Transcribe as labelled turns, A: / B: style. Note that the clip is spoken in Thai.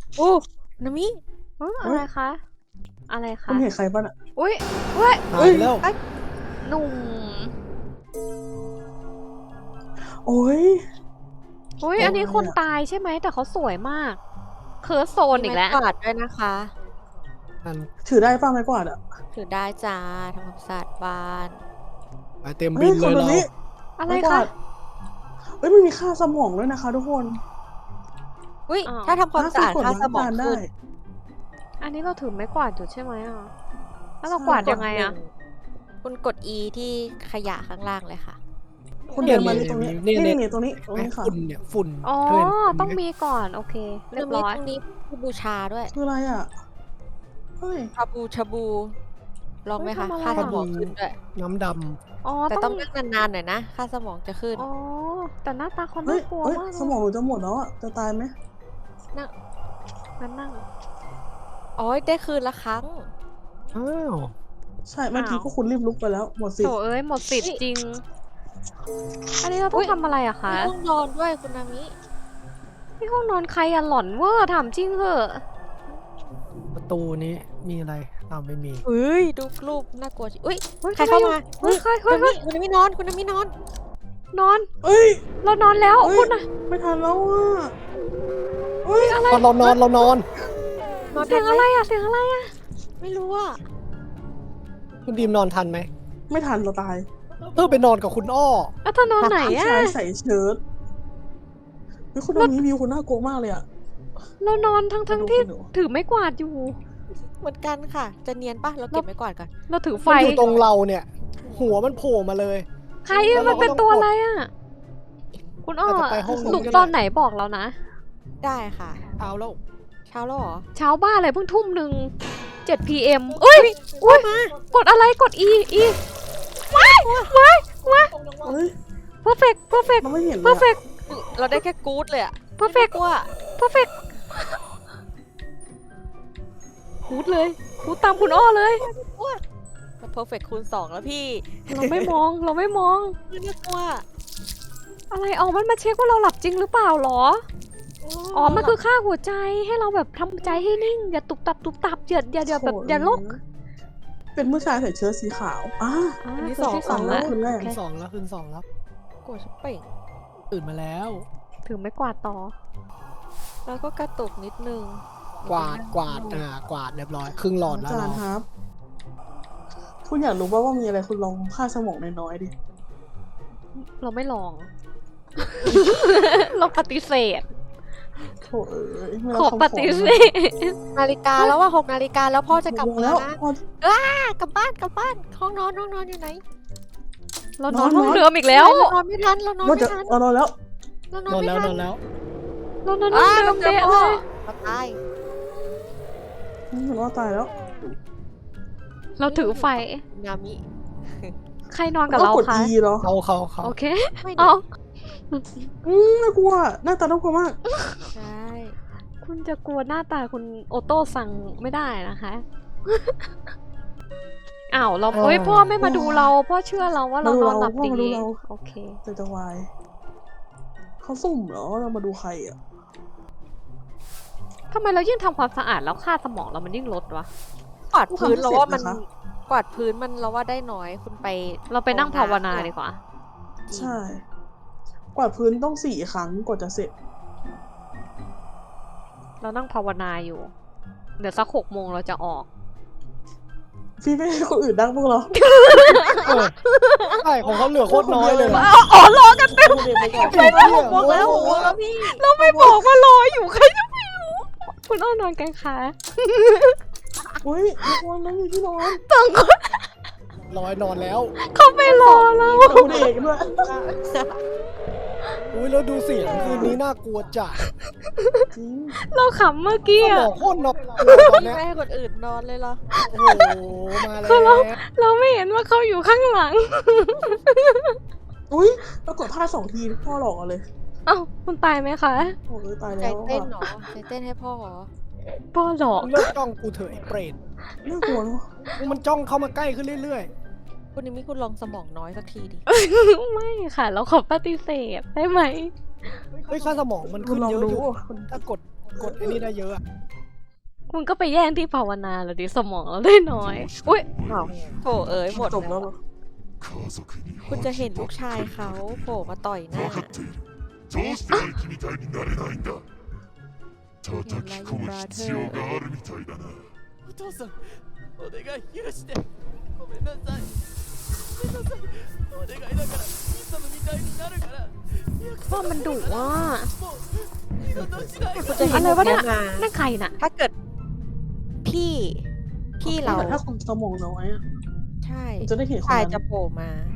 A: โอ้นามิ
B: อะไรคะอะไร
C: คุ
B: คะ
C: ณเห็นใครป่ะน่ะ
B: อุ้ยเว้ย
D: หายไปแล้ว
B: หนุ่ม
C: โอ้ย
B: อุ้ย
C: โอ้ย
B: อันนี้คน
C: อะ
B: ตายใช่ไหมแต่เขาสวยมากเคิร์สโซน
A: มี
B: อีก
A: ไม้
B: แล้ว
A: กวาดด้วยนะคะ
D: อัน
C: ถือได้ป่ะไม้กวาดอ่ะ
A: ถือได้จ้าทำความสะอาดบ้าน
D: ไปเต็ม
C: เฮ้
D: บิ
C: ย
D: น
C: ค
D: เล
C: น
D: ย
C: ตรง
D: เรา
C: นี้
B: อะไร
C: ไม้กวา
B: คะ
C: ดเฮ้ยมันมีค่าสมองด้วยนะคะ ทุกคน
A: อุ้ย
B: อ้าว
A: ถ้าทำความสะอาดค่าสมอง
C: ได้
A: ขึ้น
B: อันนี้เราถือไม้กวาดอยู่ใช่ไหมอ่ะแล้วเรากวาดยังไงอ่ะ
A: คุณกด E ที่ขยะข้างล่างเลยค่ะ
C: คุณเดินมาตรงนี้
D: เนี่ย
C: นี่ตรงนี้ค่ะ
D: ฝุ่นเนี่ยฝุ่น
B: อ๋อ
D: เธอเห็น
B: ต้องมีก่อนโอเคเรียบร้อย
A: ตรงนี้มีบูชาด้วย
C: คืออะไรอ่ะเฮ้ย
A: ชาบู ลองไหมคะ
B: เฮ้ยทำอะไร
A: ค่า
B: อะ
A: สมองขึ้นด้วย
D: น้ำด
B: อ๋อ
A: แต่
B: ต้
A: ต้
B: อ
A: อง งนั่งนานๆหน่อยนะ ค่าสมองจะขึ้น
B: อ๋อแต่หน้าตาเขา
C: เฮ้
B: น่าย กลัว
C: เฮ้ย
B: มาก
C: สมองหนูจะหมดแล้วอ่ะจะตายไหม
B: งั้นนั่ง
A: อ๋อ ได้คืนละครั้ง
D: ำอ้าว
C: ใช่เมื่อกี้ก็คุณรีบลุกไปแล้วหมดสิ
B: โถเอ้ยหมดสิทธิ์จริง อันนี้เราต้
A: อุ๊
B: อง
A: ย
B: ทำอะไรอะคะ
A: มีห้องนอนด้วยคุณนามิ
B: ที่ห้องนอนใครอะหลอนเวอร์ถามจริงเหอะ
D: ประตูนี้มีอะไรอ้าวไม่มี
A: เฮ้ย ดูรูปน่ากลัวจิอุ้ย
B: ฮ้ย
A: ใครเข้ามา
B: เฮ้ยใคร
A: คุณ
B: เฮ้ย
A: นามิคุณนามินอน คุณนามินอน
B: นอน
C: เอ้ย
B: เรานอนแล้ว
C: เฮ้ย
B: คุณอะ
C: ไม่ทันแล้วอ่ะเฮ้ย
B: อะไร
D: ตอนเรานอน
A: นอน
B: เสียงอะไรอะเสียงอะไรอะ
A: ไม่รู้อ่ะ
D: คุณดีมนอนทันไหม
C: ไม่ทันเราตาย
D: ไปนอนกับคุณอ้อ
B: แล้วเธอนอนไหน
C: ผู้
B: อะ
C: ชายใส่เชิ้ตเฮ้ยคุณตรงนี้วิวคุณน่ากลัวมากเลยอ่ะ
B: เรานอนทั้งที่
C: คุณหนู
B: ถือไม้กวาดอยู่
A: เหมือนกันค่ะ จะเนียนปะเราเก็บไว้ก่อนก่อน
B: เราถือไฟ
D: มันอยู่ตรงเราเนี่ย หัวมันโผล่มาเลย
B: ใครอะมันเป็นตัวอะไรอะคุณอ้อ
D: อาจจะไปห้องนู้น
B: ลุก
D: ก็ได้
B: ตอนไหนบอกเรานะ
A: ได้ค่ะ
D: เอาแล้ว
A: เช้าแล้วเหรอ
B: เช้าบ้านเลยเพิ่งทุ่มหนึ่ง7 PM เอ้ยอุ้ยกดอะไรกด E ว้าย
C: เฮ้ย
B: perfect perfect
C: เราไม่เห็นเลยอะ
B: perfect
A: เราได้แค่กู๊ดเลยอะ
B: perfect
A: กลัว
B: perfect คูดเลยคูดตามคุณอ้อเลย
A: มันเพอร์เฟกคูณ2แล้วพี่
B: เราไม่มองเราไม่มอง
A: น่ากลัว
B: อะไรอ๋อมันมาเช็คว่าเราหลับจริงหรือเปล่าหรอ อ๋อ มันคือค่าหัวใจให้เราแบบทำใจให้นิ่ง อย่าตุบตับตุบตับอย่าแบบอย่าลก
C: เป็นผู้ชายใส่เชิ้ตสีขาว
B: อันที่
A: อันที่สอง
B: สอง
C: แล้
B: แล้ว ว
C: คนแรก
D: คืนสองแล้วคืนสองแล้ว
A: กลัวชิบเป่ง
D: ตื่นมาแล้ว
B: ถือไม่กวาดต่อ
A: แล้วก็กระตุกนิดนึง
D: กวาดกวาดเรียบร้อย ครึ่งหลอดแล้ว
C: อาจาร
D: เรา
C: ย์ครับ คุณอยากรู้ว่ามีอะไรคุณลองค่าสมองน้อยๆดิ
B: เราไม่ลอง เราปฏิเสธ
C: โถเอ้ยไม่
B: ข
C: รั
B: อบ
C: คำ
B: ปฏิเสธ
A: นาฬิกาแล้วว่า6 นาฬิกาแล้วพ่อจะกลับ
C: ขอ
A: มา
C: แล้
A: แล้ว วนะ
C: พอ
A: กลับบ้านห้องนอนอยู่ไหน
B: เรานอน
C: นอน
B: ห้องเดิมอีกแล้ว
A: เรานอนไม่ทันเรานอน
C: ว่า
A: ไม่
C: จะ
A: ทัน
C: นอนแล้ว
A: เรานอน
D: นอน
A: ไม่
D: แล้ว
A: ทั
D: นอนแล้ว
B: เรานอนห้องเดิม
A: เจอ
B: เป๊ะ
A: พ่
B: เล
A: อย เราตาย
C: เห็นว่าตายแล้ว
B: เราถือไฟ
A: นามิ
B: ใครนอนกับ
C: ก็
B: เรา
C: กด
B: คะ
C: E เหรอ
D: เขา
B: โอเค
A: ไม่
B: เอา
C: น่ากลัวหน้าตาน่ากลัวมาก
A: ใช่
B: คุณจะกลัวหน้าตาคุณโอโต้สั่งไม่ได้นะคะ อ้าวเราเฮ้ยพ่อไม่มาดูเราพ่อเชื่อเราว่าเรานอนหลับดี
C: มาดูเรา
B: โอเค
C: แต่จะวายเขาสุ่มเหรอเรามาดูใครอ่ะ
B: ทำไมเรายิ่งทำความสะอาดแล้วค่าสมองเรามันยิ่งลดวะ
A: กวาดพื้นเราว่ามัน
C: นะคะ
A: กวาดพื้นมันเราว่าได้น้อยคุณไป
B: เราไปนั่งภาวนาดีกว่า
C: ใช่ กวาดพื้นต้อง4 ครั้งกว่าจะเสร็จ
B: เรานั่งภาวนาอยู่ เดี๋ยวสัก6 โมงเราจะออก
C: พี่ไม่ให้คนอื่นนั่งพวกเรา
D: ใช่ของเขาเหลือโคตรน้อยเลยนะ
B: อ๋อรอกัน
C: เป็นเด็กไปก่อน
D: ไปแล้ว
A: 6 โมงแล้ว6 โมงแล้วพี่
B: เราไม่บอกว่ารออยู่ใครจะไม่รู้ คุณอ้อนอนกันคะ
C: อุ้ยทุกคนนั่งอยู่ที่นอน
B: ต้องคน
D: ร้อยนอนแล้ว
B: เขาไม่รอเรา
C: ดูเด็กด้วย
D: อุ้ยแล้วดูเสียงคืนนี้น่ากลัวจัด
C: จริง
B: เราขำเมื่อกี้
D: สม
B: อะ
D: องโคตรนอกตอนเนี้ย
A: ไม่ให้คนอื่นนอนเลยเหรอ
D: โอ้โหมาแล้ว
B: เราไม่เห็นว่าเขาอยู่ข้างหลัง
C: อุ้ยปรากฏพลาด2 ทีพ่อหลอกเอาเลย
B: เอ้าคุณตายไหมคะ
C: โอ้ยตาย
A: ใจ
C: แล้ว
A: เต้นเหรอใจเต้นให้พ่อเหรอ
B: พ่อหลอก
D: มึงเลิกจ้องกูเถอะไอ้เปรต
C: น่ากลัวเนอะ
D: มันจ้องเข้ามาใกล้ขึ้นเรื่อย
A: คุณนิมิคุณลองสมองน้อยสักทีดิ
B: ไม่ค่ะ เราขอปฏิเสธได้ไหม
D: ๆ เฮ้ยค่าสมองมัน
C: คุ
D: ขึ้
C: ณ
D: น
C: ลอง
D: เยอะ
C: ดู
D: อยู่
C: คุณ
D: ถ้ากดกดไอ้นี่ได้เยอะอะ
B: คุณก็ไปแย่งที่ภาวนาแล้วดิสมองเราได้น้อย อุ้ย
C: อ้าว
A: โถเอ๋ยหมด
C: จบ
A: แล้
C: แล้ว วเหรอ
A: คุณจะเห็นลูกชายเขาโผล่มาต่อยหน้า
E: 分かっているどうして兄貴みたいになれないんだ叩き込む必要があるみたいだな
F: お父さんお願い許してごめんなさいごめんなさいお願いだからイサムみたいになるから約
B: ว่ามันดุว่ะ
F: もう二度としない
A: คุณจะเห็น
B: อะไร
A: แบบ
B: วะเนี่
A: เนี้
B: ย
A: ยมา
B: นั่นใครน่ะ
A: ถ้าเกิดพี่เรา
C: แต่ถ้าคนสมองน้อยอะ
A: ใช่
C: มันจะได้เห็นคน
A: ชาย
C: นั้น
A: จะโผล่มา